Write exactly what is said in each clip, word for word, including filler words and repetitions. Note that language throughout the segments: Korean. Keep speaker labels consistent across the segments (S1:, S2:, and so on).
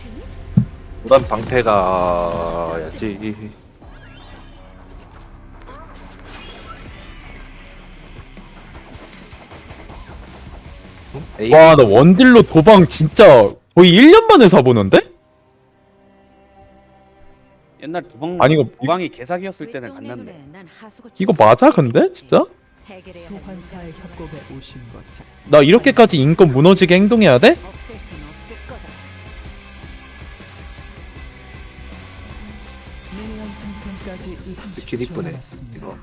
S1: 무단 방패가야지.
S2: 와, 나 원딜로 도방 진짜 거의 일 년 만에 사보는데?
S3: 옛날 도방
S2: 아니, 이거-
S3: 도방이 개사기였을 때는 갔는데.
S2: 이거 맞아, 근데? 진짜?
S4: 소환사의 협곡에 오신 것을
S2: 나 이렇게까지 인권 무너지게 행동해야 돼?
S5: 없앨 순 없을 거다.
S4: 미니언 생성까지
S1: 스킬
S4: 삼십 초
S1: 이쁘네.
S4: 남았습니다.
S1: 이거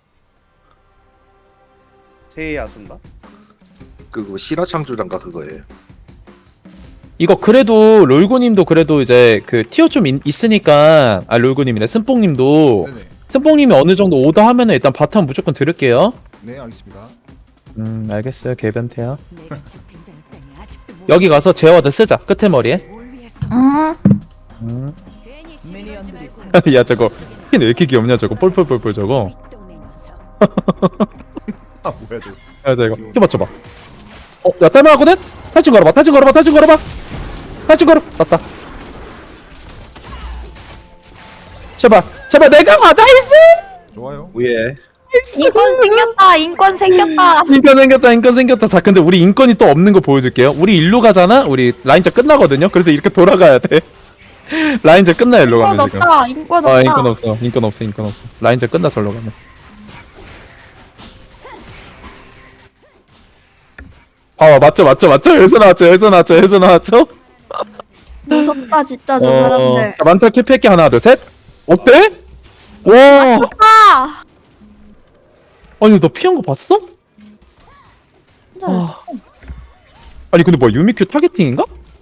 S3: 제 야수인가?
S1: 그거 실화창조장가 그거예요.
S2: 이거 그래도 롤구님도 그래도 이제 그 티어 좀 있, 있으니까 아 롤구님이네 승뽕님도
S6: 네네.
S2: 승뽕님이 어느 정도 오더 하면은 일단 바텀 무조건 들을게요.
S6: 네, 알겠습니다.
S2: 음 알겠어요 개변태야.
S5: 내가 집행자였다니 아직도 모르-
S2: 여기 가서 제어드 쓰자 끝에 머리에.
S5: 뭘 위해서?
S2: 음.
S5: 괜히 시비 걸지
S4: 미니언들이
S5: 말고.
S2: 야 저거 핀 왜 이렇게 귀엽냐 저거 뻘뻘뻘뻘 저거.
S5: 윗동네 녀석.
S6: 아 뭐야 저.
S2: 야 저거 힘 맞춰봐. 어야 딸만하거든? 탈진 걸어봐 탈진 걸어봐 탈진 걸어봐 탈진 걸어 맞다. 제발 제발 내가 와 나이스.
S6: 좋아요.
S1: 위에
S7: 인권 생겼다. 인권 생겼다.
S2: 인권 생겼다 인권 생겼다. 자 근데 우리 인권이 또 없는 거 보여줄게요. 우리 일로 가잖아. 우리 라인전 끝나거든요. 그래서 이렇게 돌아가야 돼. 라인전 끝나 일로
S7: 인권
S2: 가면 지금.
S7: 없다. 인권
S2: 아
S7: 없다.
S2: 인권 없어 인권 없어 인권 없어. 라인전 끝나 절로 가면. 봐봐 맞죠 맞죠 맞죠. 여기서 나왔죠 여기서 나왔죠 여기서 나왔죠.
S7: 무섭다 진짜 저
S2: 어,
S7: 사람들.
S2: 자, 만타 캡할게 하나 둘 셋. 어때? 와
S7: 아!
S2: 아니 너 피한 거 봤어?
S7: 잘했어.
S2: 아니 근데 뭐야 유미큐 타겟팅인가?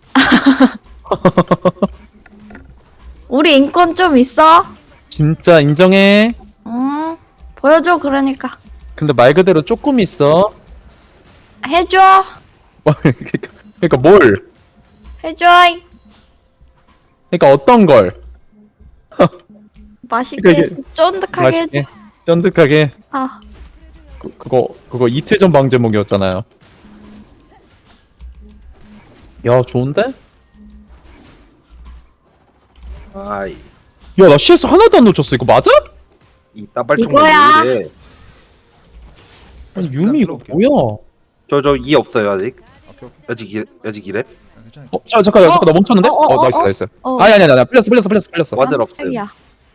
S7: 우리 인권 좀 있어?
S2: 진짜 인정해.
S7: 응. 보여줘 그러니까.
S2: 근데 말 그대로 조금 있어.
S7: 해줘.
S2: 그러니까, 그러니까 뭘?
S7: 해줘.
S2: 그러니까 어떤 걸?
S7: 맛있게
S2: 그러니까
S7: 쫀득하게 해줘.
S2: 맛있게, 쫀득하게.
S7: 아.
S2: 그, 그거 그거 이틀 전 방 제목이었잖아요. 야 좋은데?
S1: 아이
S2: 야 나 씨에스 하나도 안 놓쳤어. 이거 맞아?
S1: 이 따발총
S7: 이거야.
S2: 아니 유미 이거 뭐야?
S1: 저저 이 없어요 아직.
S6: 오케이 오케이.
S1: 아직 이 아직 이래.
S6: 아, 괜찮아요.
S2: 어, 자, 잠깐,
S7: 어?
S2: 잠깐, 나 멈췄는데?
S7: 어,
S2: 어,
S7: 어,
S2: 나이스,
S7: 어?
S2: 나이스.
S7: 어.
S2: 아니, 아니, 아니, 아니, 풀렸어, 풀렸어, 풀렸어, 풀렸어.
S1: 와들 없음.
S7: 깜짝이야.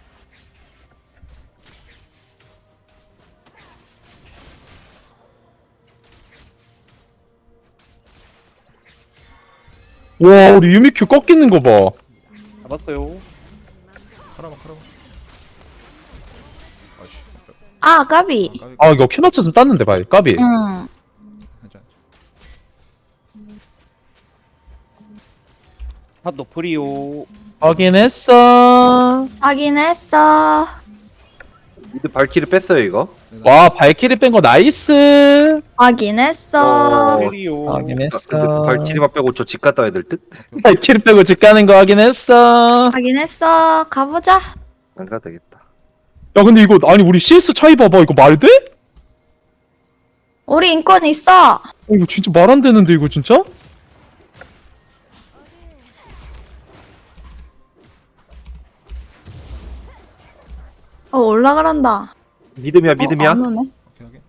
S2: 와, 우리 유미큐 꺾이는 거 봐.
S3: 잡았어요.
S6: 카라마 카라마. 아씨.
S7: 아 까비.
S6: 까비.
S2: 아, 이거 큐 맞췄으면 땄는데, 봐요. 까비.
S7: 응.
S6: 괜찮아.
S3: 탑 노프리오.
S2: 확인했어.
S7: 확인했어.
S1: 미드 발키를 뺐어요 이거.
S2: 와, 발키리 뺀 거 나이스.
S7: 확인했어.
S1: 어.
S3: 프리오.
S1: 아, 근데
S2: 확인했어.
S1: 발키리만 빼고 저 집 갔다 와야 될 듯?
S2: 발키리 빼고 집 가는 거 확인했어.
S7: 확인했어. 가보자.
S1: 안 가도 되겠다.
S2: 야, 근데 이거, 아니, 우리 씨에스 차이 봐봐. 이거 말 돼?
S7: 우리 인권 있어.
S2: 어, 이거 진짜 말 안 되는데, 이거 진짜?
S7: 어 올라가란다.
S1: 믿음이야 믿음이야.
S7: 어, 안 오네.
S6: 오케이 오케이.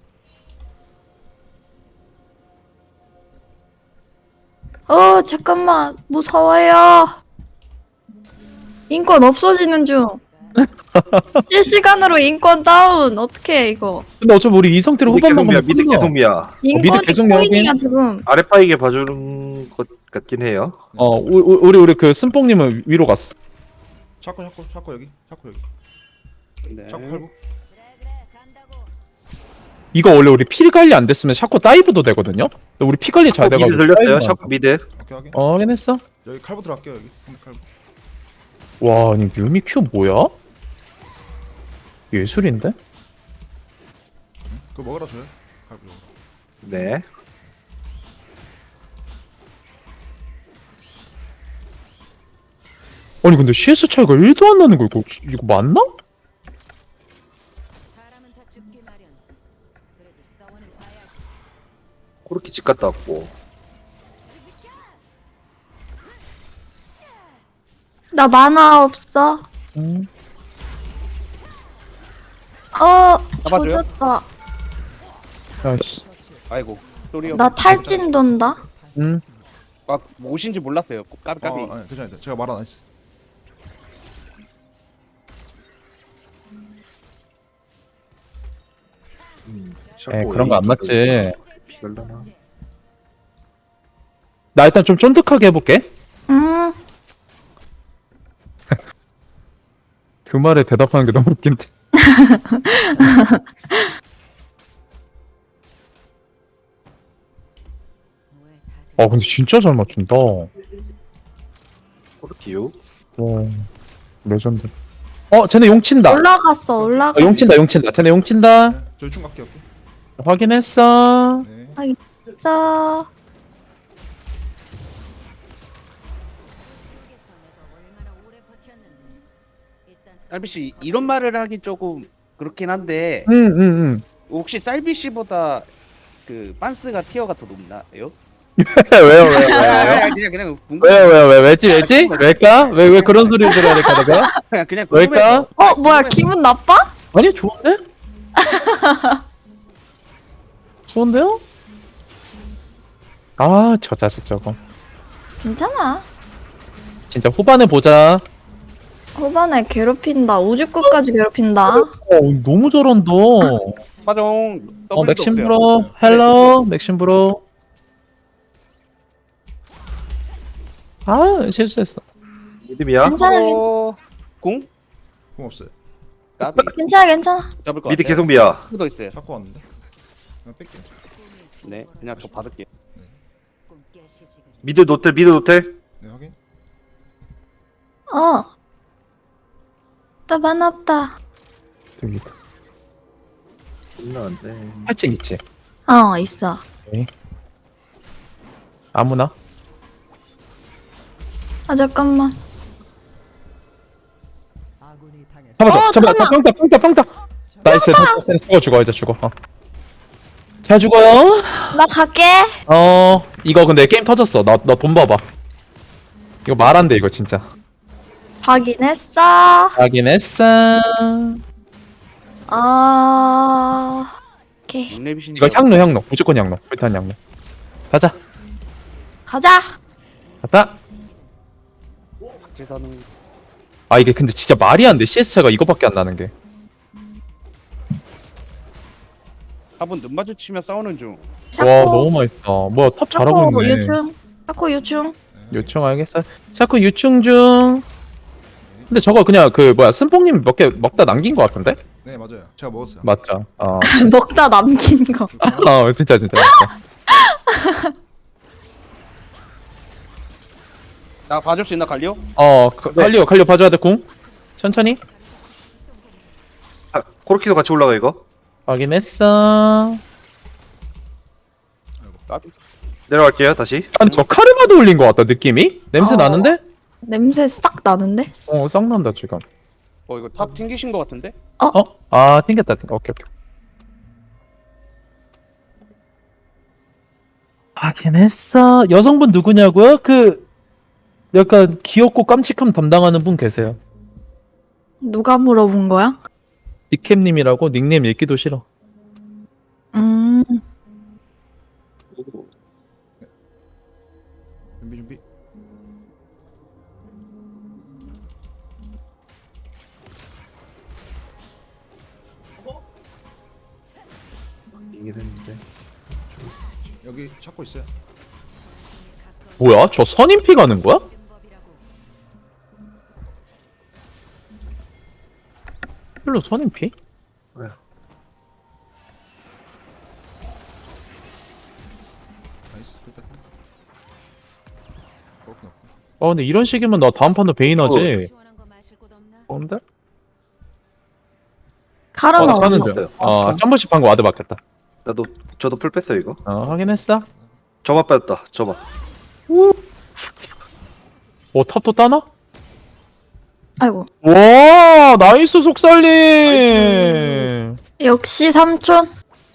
S7: 어 잠깐만 무서워요. 인권 없어지는 중. 실시간으로 인권 다운. 어떡해 이거.
S2: 근데 어차피 우리 이 상태로
S1: 미드
S2: 후반만
S1: 계속이야
S2: 가면
S1: 미드
S2: 끝나.
S1: 계속이야.
S7: 인권이
S2: 계속
S7: 코인이야
S2: 여긴?
S7: 지금.
S1: 아래 파이게 봐주는 것 같긴 해요.
S2: 어, 우- 우- 우리, 우리 그 승뽕님은 위로 갔어.
S6: 샤코 샤코 샤코 여기. 샤코 여기.
S3: 네.
S6: 샤코 팔고.
S2: 이거 원래 우리 피 관리 안 됐으면 샤코 다이브도 되거든요? 근데 우리 피 관리 잘
S1: 샤코
S2: 돼가지고.
S1: 미드 들렸어요.
S2: 다이브만
S1: 샤코 미드.
S6: 오케이 오케이.
S2: 어, 확인했어?
S6: 여기 칼부 들어갈게요 여기. 상대 칼부.
S2: 와, 아니 유미 큐 뭐야? 예술인데?
S6: 그거 먹으라 줘요. 칼부.
S1: 네.
S2: 아니 근데 씨에스 차이가 일도 안 나는 거 이거 이거 맞나?
S5: 사람은 다 죽기 마련. 그래도 싸워는 봐야지.
S1: 그렇게 집 갔다 왔고.
S7: 나 만화 없어.
S2: 음.
S7: 어,
S3: 잡아줘요?
S7: 조졌다.
S2: 야씨.
S3: 아이고 소리요.
S7: 나 탈진 돈다.
S2: 음.
S3: 아 뭐신지 몰랐어요. 까비 까비.
S6: 어, 아니, 괜찮아요. 제가 말 안 했어.
S1: 음,
S2: 에 그런 거 안 맞지.
S1: 피갈라나.
S2: 나 일단 좀 쫀득하게 해볼게.
S7: 음,
S2: 그 말에 대답하는 게 너무 웃긴데.
S5: 왜 다들
S2: 아 근데 진짜 잘 맞춘다. 와
S1: 코르키요?
S2: 레전드. 어 쟤네 용 친다.
S7: 올라갔어,
S2: 어,
S7: 올라갔어.
S2: 용 친다 용 친다. 쟤네 용 친다.
S6: 네, 저 유충 갈게요. 오케이.
S2: 확인했어.
S6: 네.
S7: 자,
S5: 속에서 내가 얼마나 오래 버텼는데. 일단
S3: 쌀비 씨 이런 말을 하기 조금 그렇긴 한데
S2: 응응 응.
S3: 혹시 쌀비 씨보다 그 빤스가 티어가 더 높나요?
S2: 왜요 왜요 왜요?
S3: 아, 그냥 그냥 궁금.
S2: 왜요 왜요 왜 왜지 왜지 왜일까 왜 왜 그런 소리 들어야 될까 내가?
S3: 그냥 그냥
S2: 왜일까?
S3: 궁금해서.
S7: 어, 뭐야, 기분 나빠?
S2: 아니 좋은데? 좋은데요? 아 저 자식 저거
S7: 괜찮아.
S2: 진짜 후반에 보자.
S7: 후반에 괴롭힌다. 우주끝까지 괴롭힌다.
S2: 어 너무 잘한다.
S3: 화정.
S2: 어 맥심 브로 헬로 맥심 브로. 아 실수했어.
S1: 믿음이야?
S7: 괜찮아, 괜-
S3: 어... 공?
S6: 공 없어요.
S3: 까비
S7: 괜찮아, 괜찮아.
S3: 잡을 거
S1: 미드
S3: 같아요.
S1: 계속비야.
S3: 더 있어요.
S6: 자꾸 왔는데. 그냥 뺄게요.
S3: 네, 그냥 저 받을게요.
S5: 꿈깨 시식을
S1: 미드 노텔 미드 노텔.
S6: 네, 확인.
S7: 어. 나 만화 없다.
S2: 저기
S1: 끝나는데.
S2: 패칭 있지.
S7: 어, 있어.
S2: 아무나.
S7: 아, 잠깐만.
S4: 아군이 당했어.
S2: 잡아줘
S7: 어,
S2: 잡아
S7: 잠깐만.
S2: 빵타 빵타 빵타. 나이스 됐어, 됐어. 죽어 죽어 이제 죽어. 어. 잘 죽어요.
S7: 나 갈게.
S2: 어 이거 근데 게임 터졌어. 나 나 돈 봐봐. 이거 말 안 돼 이거 진짜.
S7: 확인했어.
S2: 확인했어.
S7: 아, 오케이.
S3: 육렙이신
S2: 이거 향로 향로 무조건 향로. 불탄 향로. 가자
S7: 가자.
S2: 가자.
S3: 계산은
S2: 아 이게 근데 진짜 말이 안 돼. 씨에스 차가 이거밖에 안 나는 게.
S3: 한번 눈 마주치면 싸우는 중.
S2: 와 너무 맛있다. 뭐야 탑 잘하고
S7: 샤코
S2: 있네.
S7: 유충. 샤코 유충.
S2: 요청 알겠어. 자꾸 유충 중. 근데 저거 그냥 그 뭐야 쓴뽕님 몇 개 먹다 남긴 거 같은데?
S6: 네, 맞아요. 제가 먹었어요.
S2: 맞죠? 어,
S7: 먹다 남긴 거.
S2: 어 진짜 진짜. 진짜.
S3: 나 봐줄 수 있나 갈리오?
S2: 어 그, 칼리오 칼리오 봐줘야 돼 궁. 천천히.
S1: 아, 코르키도 같이 올라가 이거.
S2: 확인했어.
S3: 까비.
S1: 내려갈게요 다시.
S2: 아니 저 카르마도 올린 거 같다 느낌이? 냄새
S7: 어.
S2: 나는데?
S7: 냄새 싹 나는데?
S2: 어 썩 난다 지금.
S3: 어 이거 탑 튕기신 거 같은데?
S2: 어? 아 튕겼다 튕겨. 오케이 오케이. 확인했어. 여성분 누구냐고요? 그 약간 귀엽고 깜찍함 담당하는 분 계세요.
S7: 누가 물어본 거야?
S2: 디캠님이라고 닉네임 읽기도 싫어.
S7: 음,
S6: 준비 준비.
S1: 이게 됐는데.
S6: 여기 찾고 있어요.
S2: 뭐야? 저 선임피 가는 거야?
S5: 법이라고.
S2: 별로 선임피?
S6: 나이스. 뺐다. 그렇구나.
S2: 아 근데 이런 식이면 나 다음 판도 베인 하지.
S5: 시원한 거 마실 곳 없나?
S2: 뭔데?
S7: 카르마
S2: 어, 나
S7: 어디
S2: 사는
S7: 있어?
S2: 중. 어, 한 번씩 방금 와드 받겠다.
S1: 나도 저도 풀 뺐어 이거.
S2: 어, 확인했어.
S1: 저만 뺐다. 저만.
S2: 오, 탑도 따나?
S7: 아이고.
S2: 와, 나이스 속살림.
S7: 역시 삼촌.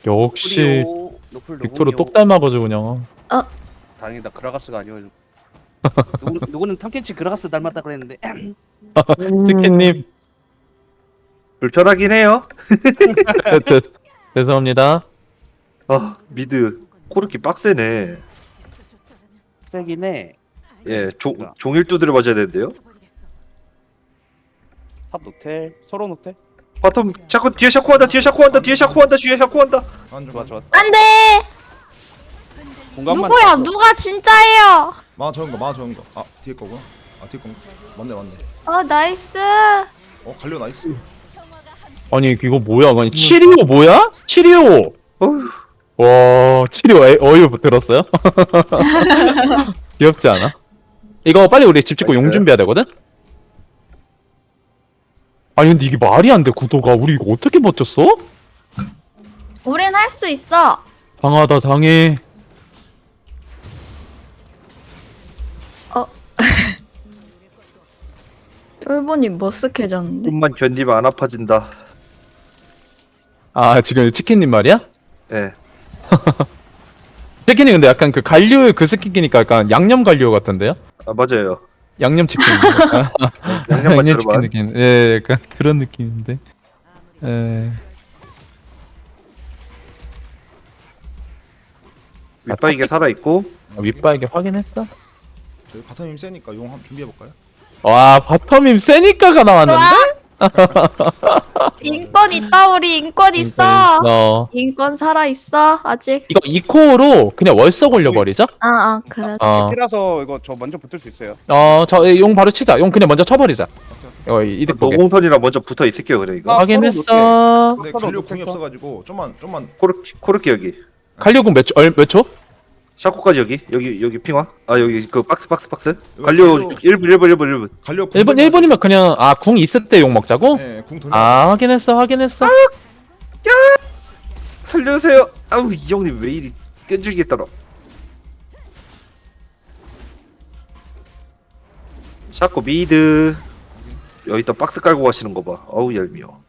S2: 역시
S3: 노플
S2: 빅토르
S3: 노군요.
S2: 똑 닮아가지고 그냥.
S3: 다행이다. 그라가스가 아니어가지고. 누구, 누구는 탐켄치 그라가스 닮았다 그랬는데
S2: 치킨님
S1: 불편하긴 해요.
S2: 저, 죄송합니다.
S1: 아 미드 코르키 빡세네.
S3: 세긴 해.
S1: 예, 종 종일 두드려 맞아야 되는데요.
S3: 탑 노텔, 서로 노텔.
S1: 바텀 자꾸 뒤에 샤코한다, 뒤에 샤코한다, 뒤에 샤코한다, 뒤에 샤코한다.
S6: 안
S3: 좋아
S6: 좋아.
S3: 좋아.
S7: 안돼.
S3: 공간만
S7: 누구야?
S3: 잡고.
S7: 누가 진짜예요?
S6: 마 적은 거, 마 적은 거. 아 뒤에 거구나. 아 뒤에 거. 맞네 맞네.
S7: 어 나이스.
S6: 어 갈려 나이스.
S2: 아니 이거 뭐야? 아니 치리오 뭐야? 치리오.
S1: 어휴,
S2: 와 치리오 에- 어이 들었어요? 귀엽지 않아? 이거 빨리 우리 집 짓고 용 준비해야 되거든? 아니 근데 이게 말이 안 돼 구도가. 우리 이거 어떻게 버텼어?
S7: 우린 할 수 있어.
S2: 당하다 당해.
S7: 쫄보니 머쓱해졌는데.
S1: 좀만 견디면 안 아파진다.
S2: 아 지금 치킨님 말이야?
S1: 예.
S2: 치킨이 근데 약간 그 갈류 그 스킨이니까 약간 양념 갈류 같은데요?
S1: 아 맞아요.
S2: 양념 치킨.
S1: 양념
S2: 양념 치킨
S1: 만들어만.
S2: 느낌. 예, 약간 그런 느낌인데. 예.
S1: 윗바이게 살아 있고.
S2: 아, 윗바에게 확인했어?
S6: 저희 바텀 힘 세니까 용 한번 준비해 볼까요?
S2: 와 바텀임 세니까가 나왔는데?
S7: 인권 있다 우리 인권 있어.
S2: 어.
S7: 인권 살아 있어 아직.
S2: 이거 이코어로 그냥 월석 올려버리자.
S7: 아아 그래.
S2: 어.
S3: 테라서 이거 저 먼저 붙을 수 있어요.
S2: 어, 저 용 바로 치자. 용 그냥 먼저 쳐버리자. 어, 이득 보게.
S1: 노공선이랑 먼저 붙어 있을게요, 그래 이거.
S3: 아,
S2: 확인했어.
S6: 근데
S3: 서로
S6: 갈려
S3: 못했어.
S6: 궁이 없어가지고 좀만 좀만.
S1: 코르키 코르키 여기.
S2: 갈려군 몇, 초- 얼, 몇 초?
S1: 샤코까지 여기. 여기 여기 핑화. 아 여기 그 박스 박스 박스.
S6: 이거
S1: 갈려
S6: 갈려-
S1: 일 분 일 분 일 분 일 분.
S6: 갈려 궁.
S2: 일 분, 일 분이면 그냥, 아, 궁 있을 때 용 먹자고?
S6: 예, 궁 돌려.
S2: 아, 확인했어, 확인했어.
S1: 살려주세요. 아우 이 형님 왜 이리 끈질기게 따라. 샤코 미드. 여기다 박스 깔고 가시는 거 봐. 어우 얄미워.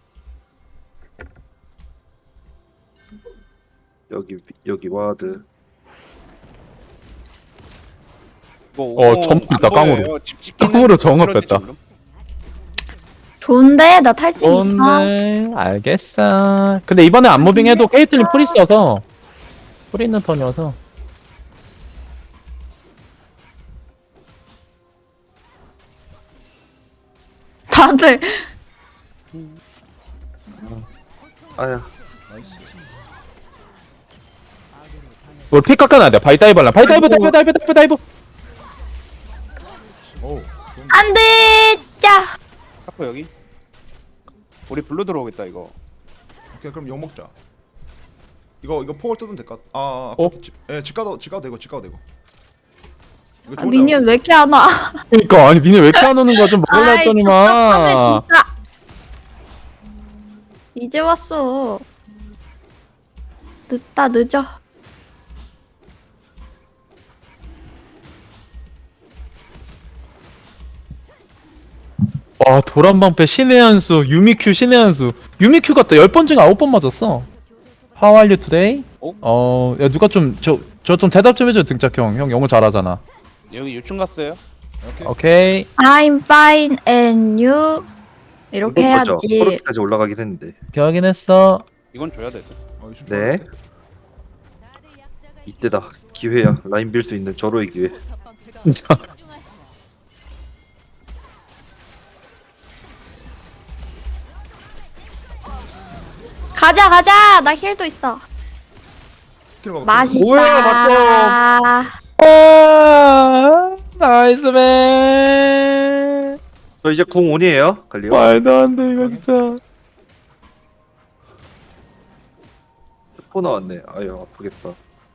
S1: 여기 여기 와드.
S2: 어, 점프 있다, 깡으로.
S3: 깡으로
S2: 깡으로 정업했다.
S7: 좋은데 나 탈진 있어.
S2: 오늘, 알겠어. 근데 이번에 안무빙 해도 케이틀린 풀 있어서. 풀 있는 턴이어서.
S7: 다들
S1: 아야.
S2: 우리 피 깎아놔야 돼. 바이다이브 할라. 바이다이브, 다이브, 다이브, 다이브, 다이브.
S6: 오.
S7: 안돼. 짜.
S3: 샤코 여기. 우리 블루 들어오겠다 이거.
S6: 오케이 그럼 용 먹자. 이거 이거 포월 뜯으면 될까? 아, 아
S2: 어?
S6: 집, 예, 집 가도 집 가도 되고 집 가도 되고. 이거
S7: 아,
S6: 좋은
S7: 미니언 왜 이렇게 안 와?
S2: 그니까, 아니, 니네 왜 이렇게 안 오는 거야? 좀 먹을라
S7: 아이 답답하네
S2: 했더니만.
S7: 진짜. 이제 왔어. 늦다 늦어.
S2: 와, 도란방패 신의 한수, 유미큐 신의 한수. 유미큐 같다. 열 번 중에 아홉 번 맞았어. How are you today?
S3: 어?
S2: 어, 야, 누가 좀, 저, 저 좀 대답 좀 해줘, 등짝형. 형 영어 잘하잖아.
S3: 여기 유충 갔어요.
S6: 오케이.
S2: 오케이.
S7: I'm fine and you. 이렇게 해야지.
S1: 코르키까지 올라가긴 했는데.
S2: 오케이, 확인했어.
S3: 이건 줘야 돼.
S6: 어, 이거
S1: 네.
S6: 좋은데?
S1: 이때다. 기회야. 라인 빌 수 있는 절호의 기회.
S2: 진짜.
S7: 가자 가자. 나 힐도 있어.
S6: 스킬 먹어.
S7: 맛있다.
S1: 뭐야,
S2: 아, 나이스맨.
S1: 저 이제 궁 온이에요. 갈리오.
S2: 말도 안 돼, 이거 진짜.
S1: 포 나왔네. 아유 아프겠다.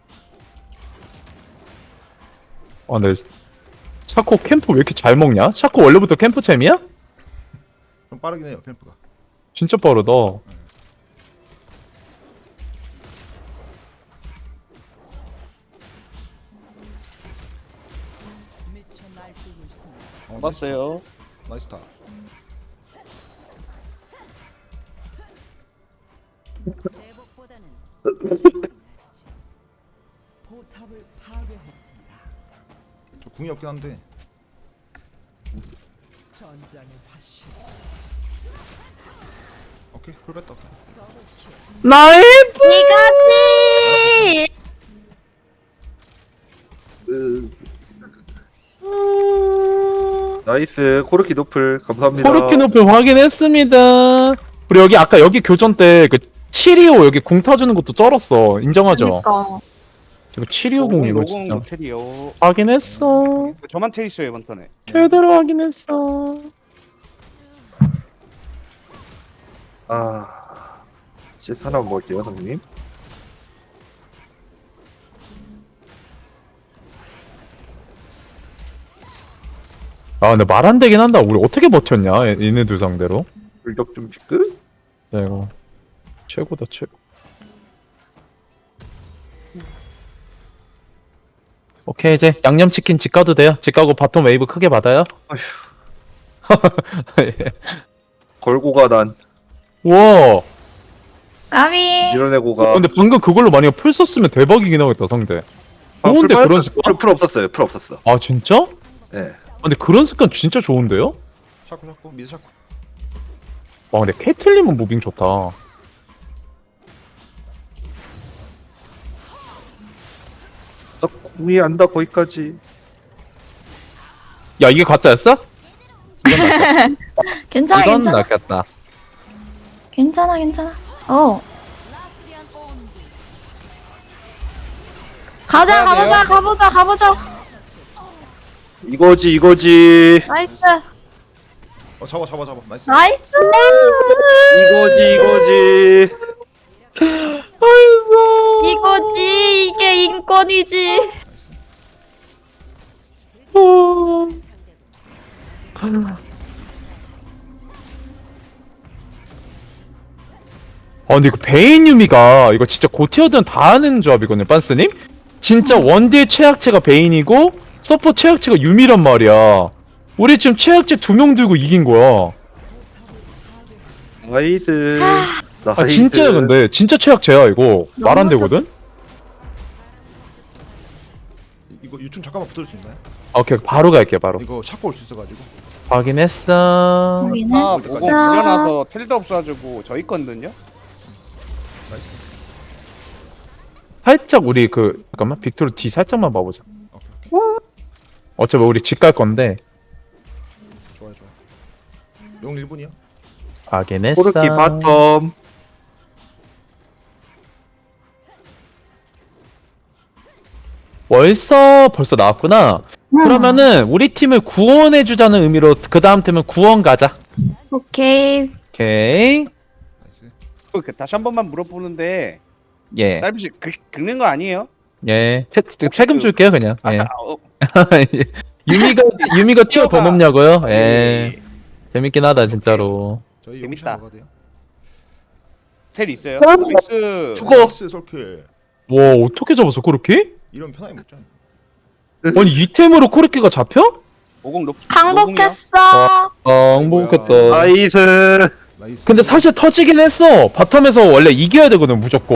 S2: 아, 근데 샤코 캠프 왜 이렇게 잘 먹냐? 샤코 원래부터 캠프 챔이야?
S6: 좀 빠르긴 해요 캠프가.
S2: 진짜 빠르다.
S4: 미쳐 날뛰고 있습니다.
S6: 어,
S3: 봤어요.
S6: 나이스 타.
S5: 제복보다는
S4: 포탑을 파괴했습니다.
S6: 저 궁이 없긴 한데.
S4: 전장의 화신.
S6: 오케이 풀 뺐다. 오케이.
S2: 나이스!
S7: 이거지.
S1: 으. 나이스 코르키 노플 감사합니다.
S2: 코르키 높이 확인했습니다. 우리 여기 아까 여기 교전 때 그 칠이오 여기 궁 타주는 것도 쩔었어. 인정하죠?
S7: 그러니까.
S2: 이거 칠이오 궁 이거
S3: 로공
S2: 진짜
S3: 노텔이요.
S2: 확인했어.
S3: 저만 텔 있어요 이번 턴에.
S2: 제대로 확인했어.
S1: 아, 씨에스 하나 먹을게요, 형님.
S2: 아 근데 말 안 되긴 한다. 우리 어떻게 버텼냐? 얘- 얘네들 상대로.
S1: 불격 좀 피크?
S2: 야 이거 최고다 최고. 오케이 이제 양념치킨 집 가도 돼요. 집 가고 바텀 웨이브 크게 받아요. 예.
S1: 걸고가 난
S2: 와.
S7: 까비.
S1: 밀어내고가.
S2: 근데 방금 그걸로 만약에 풀 썼으면 대박이긴 하겠다 상대.
S1: 아, 풀
S2: 좋은데 그런
S1: 빠졌어.
S2: 습관?
S1: 풀, 풀 없었어요. 풀 없었어.
S2: 아 진짜?
S1: 예.
S2: 근데 그런 습관 진짜 좋은데요?
S6: 샤코 샤코 미드 샤코.
S2: 와 근데 캐틀님은 무빙 좋다.
S1: 나 공이 안다 거기까지.
S2: 야 이게 가짜였어?
S7: 괜찮아
S2: 이건
S7: 괜찮아.
S2: 낚였다.
S7: 괜찮아 괜찮아. 어. 가자
S3: 가야 돼요?
S7: 가보자 가보자 가보자.
S1: 이거지 이거지.
S7: 나이스
S6: 어 잡아 잡아 잡아. 나이스.
S7: 나이스.
S1: 이거지 이거지.
S7: 이거지 이게 인권이지.
S2: 아 근데 이거 베인 유미가 이거 진짜 고티어든 다 하는 조합이거든요 빤스님? 진짜 원딜 최악체가 베인이고 서포 최악체가 유미란 말이야. 우리 지금 최악체 두 명 들고 이긴 거야.
S1: 나이스. 나이스.
S2: 아 진짜야 근데 진짜 최악체야 이거 말 안 되거든?
S6: 이거 유충 잠깐만 붙을 수 있나요?
S2: 아, 오케이 바로 갈게 바로.
S6: 이거 샤코 올 수 있어가지고.
S2: 확인했어.
S7: 여기는
S3: 아 로공
S7: 자.
S3: 불려놔서 텔도 없어가지고 저 있거든요.
S6: 나이스.
S2: 살짝 우리 그 잠깐만 빅토르 뒤 살짝만 봐보자.
S6: 오케이 오케이.
S2: 어차피 우리 집 갈 건데
S6: 좋아요 좋아. 용 일 분이요?
S2: 확인했어.
S1: 코르키 바텀.
S2: 벌써 벌써 나왔구나.
S7: 음.
S2: 그러면은 우리 팀을 구원해주자는 의미로 그 다음 팀은 구원 가자.
S7: 오케이.
S2: 오케이.
S6: 나이스.
S3: 그 다시 한 번만 물어보는데
S2: 예.
S3: 딸비씨 긁는 거 아니에요?
S2: 예. 세, 세금 줄게요 그냥.
S3: 아,
S2: 예.
S3: 아, 어,
S2: 유미가 유미가 티어 더
S3: 티어가-
S2: 높냐고요? 예.
S3: 예.
S2: 재밌긴 하다 진짜로.
S6: 저희
S3: 재밌다.
S6: 용ሻ 먹어야 돼요.
S3: 텔 있어요.
S2: 썰-
S3: 스위스.
S1: 죽어.
S6: 나이스 솔킬.
S2: 와 어떻게 잡았어 코르키?
S6: 이런 편하게 먹자.
S2: 아니 이 템으로 코르키가 잡혀?
S3: 오공 높.
S7: 항복했어.
S2: 아 행복했다.
S1: 나이스.
S6: 나이스.
S2: 근데 사실 터지긴 했어. 바텀에서 원래 이겨야 되거든 무조건.